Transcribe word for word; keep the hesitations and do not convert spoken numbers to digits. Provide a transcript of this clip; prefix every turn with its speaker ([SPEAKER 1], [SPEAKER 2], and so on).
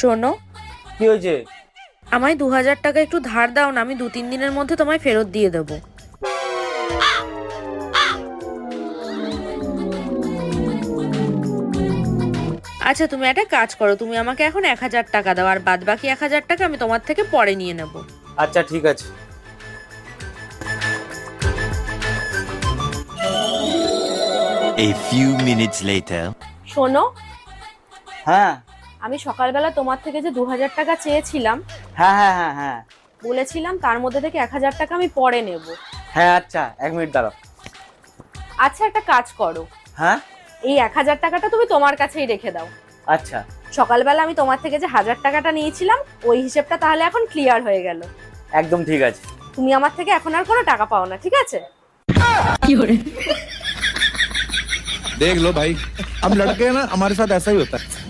[SPEAKER 1] শোনো,
[SPEAKER 2] কি হয়েছে?
[SPEAKER 1] আমায় দু হাজার টাকা একটু ধার দাও না, আমি দু তিন দিনের মধ্যে তোমায় ফেরত দিয়ে দেবো। আচ্ছা, তুমি একটা কাজ করো, তুমি আমাকে এখন এক হাজার টাকা দাও, আর বাদ বাকি এক হাজার টাকা আমি তোমার থেকে পরে নিয়ে নেব।
[SPEAKER 2] আচ্ছা ঠিক আছে।
[SPEAKER 3] A few minutes later.
[SPEAKER 1] শোনো,
[SPEAKER 2] হ্যাঁ
[SPEAKER 1] আমি সকালবেলা তোমার থেকে যে দু হাজার টাকা চেয়েছিলাম,
[SPEAKER 2] হ্যাঁ হ্যাঁ হ্যাঁ হ্যাঁ
[SPEAKER 1] বলেছিলাম তার মধ্যে থেকে এক হাজার টাকা আমি পরে নেব।
[SPEAKER 2] হ্যাঁ আচ্ছা, এক মিনিট দাঁড়াও।
[SPEAKER 1] আচ্ছা, একটা কাজ করো,
[SPEAKER 2] হ্যাঁ
[SPEAKER 1] এই এক হাজার টাকাটা তুমি তোমার কাছেই রেখে দাও।
[SPEAKER 2] আচ্ছা
[SPEAKER 1] সকালবেলা আমি তোমার থেকে যে হাজার টাকাটা নিয়েছিলাম, ওই হিসেবটা তাহলে এখন ক্লিয়ার হয়ে গেল।
[SPEAKER 2] একদম ঠিক আছে।
[SPEAKER 1] তুমি আমার থেকে এখন আর কোনো টাকা পাও না, ঠিক আছে?
[SPEAKER 4] देख लो भाई, हम लड़के हैं ना, हमारे साथ ऐसा ही होता है।